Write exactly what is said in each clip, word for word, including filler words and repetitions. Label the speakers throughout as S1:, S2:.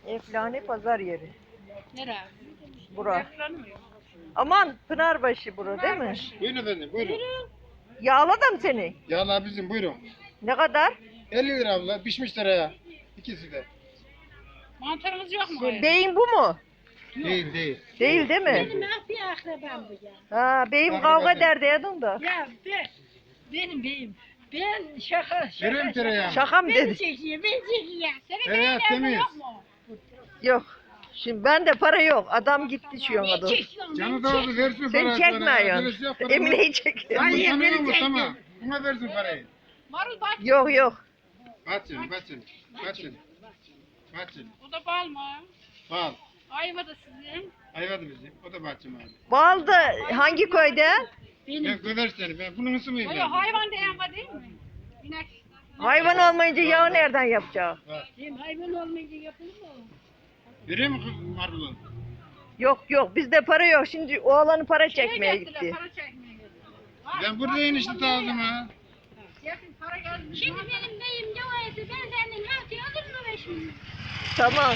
S1: Eflane pazar yeri.
S2: Nere?
S1: Bura.
S2: Yapılanmıyor.
S1: Aman Pınarbaşı bura değil mi?
S3: Buyurun efendim buyurun.
S1: Yağladım seni.
S3: Yağlar bizim buyurun.
S1: Ne kadar?
S3: elli lira abla pişmiş liraya. İkisi de.
S2: Mantarımız yok mu?
S1: Şey, beyin bu mu?
S3: Değil değil.
S1: Değil değil mi?
S2: Benim ah bir akrabam bu ya.
S1: Ha, beyim
S3: Akraba
S1: kavga
S3: değil.
S1: derdi edin da.
S2: Ya ben, benim beyim. Ben şaka şaka.
S3: Vereyim tereyağı.
S1: Şaka mı
S2: Beni
S1: dedi?
S2: çekiyor, beni çekiyor. Senin
S3: Tereyağı
S2: beyin
S3: temiz.
S2: yok mu?
S1: Yok. Şimdi bende para yok. Adam gitti şu yana
S2: Beni
S1: doğru.
S2: çekiyorsun,
S3: Canı
S2: beni
S3: da
S2: çek.
S3: oldu versin
S1: Sen
S3: parayı.
S1: çekmiyorsun. Emine'yi çekiyor.
S2: Ay,
S3: Ay
S2: beni
S3: beni
S2: çekti.
S3: tamam. Buna versin parayı.
S2: Marul bak.
S1: Yok yok.
S3: Kaçın kaçın. Kaçın. Kaçın.
S2: O da bal mı?
S3: Bal.
S2: Ayva da sizin.
S3: Ayvadı bizim. O da bahçem abi.
S1: Baldı hangi köyde?
S2: Benim.
S3: Ben göver seni. Ben bunun ısımıyım
S2: O
S3: ben.
S2: ya hayvan diyen var değil mi? İnek.
S1: Hayvan olmayınca yağı nereden yapacak?
S3: Var.
S2: Benim hayvan olmayınca yapılır mı?
S3: Vereyim mi marulu?
S1: Yok yok bizde para yok. Şimdi oğlanı para
S2: Şeye
S1: çekmeye
S2: gittiler,
S1: gitti.
S2: Para çekmeye gittiler. Var,
S3: Ben
S2: var,
S3: buradayım
S2: var,
S3: işte
S2: var,
S3: aldım
S2: var.
S3: ha.
S2: Yakın para geldi. Şimdi benim beyim ne o eti? Ben senden altı alır mı be şimdi?
S1: Tamam.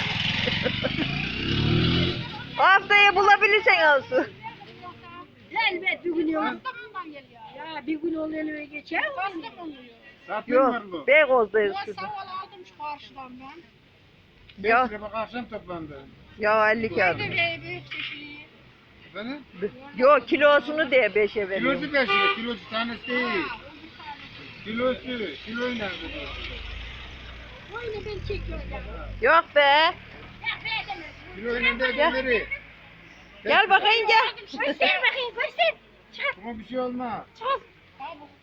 S1: Haftaya bulabilirsen olsun.
S2: Elbet bir gün yok. Kastamonu'dan geliyor. Ya bir gün oluyor eve geçer mi? Kastamonu.
S3: Satayım
S1: Yok.
S3: marulu.
S1: Beykoz'dayız
S2: Ben
S1: şurada.
S2: saval aldım şu karşıdan ben.
S1: Ya.
S3: Ya. Bak akşam toplandı.
S1: Ya elli kağıt.
S2: Nerede be büyük çeşiyi?
S3: Efendim?
S1: Yok kilosunu de beşe veriyorum.
S3: Kilosu beş lira. Kilosu tanesi değil. Kilosu. Kiloyla dedi.
S2: Oyunu ben çekiyorum.
S1: Yok be.
S2: Ya be demez.
S3: Kiloyla da
S1: Gel.
S3: öderi.
S1: Gel bakayım gel.
S2: Göster bakayım göster. Çık
S3: Ama bir şey olmaz.
S2: çık.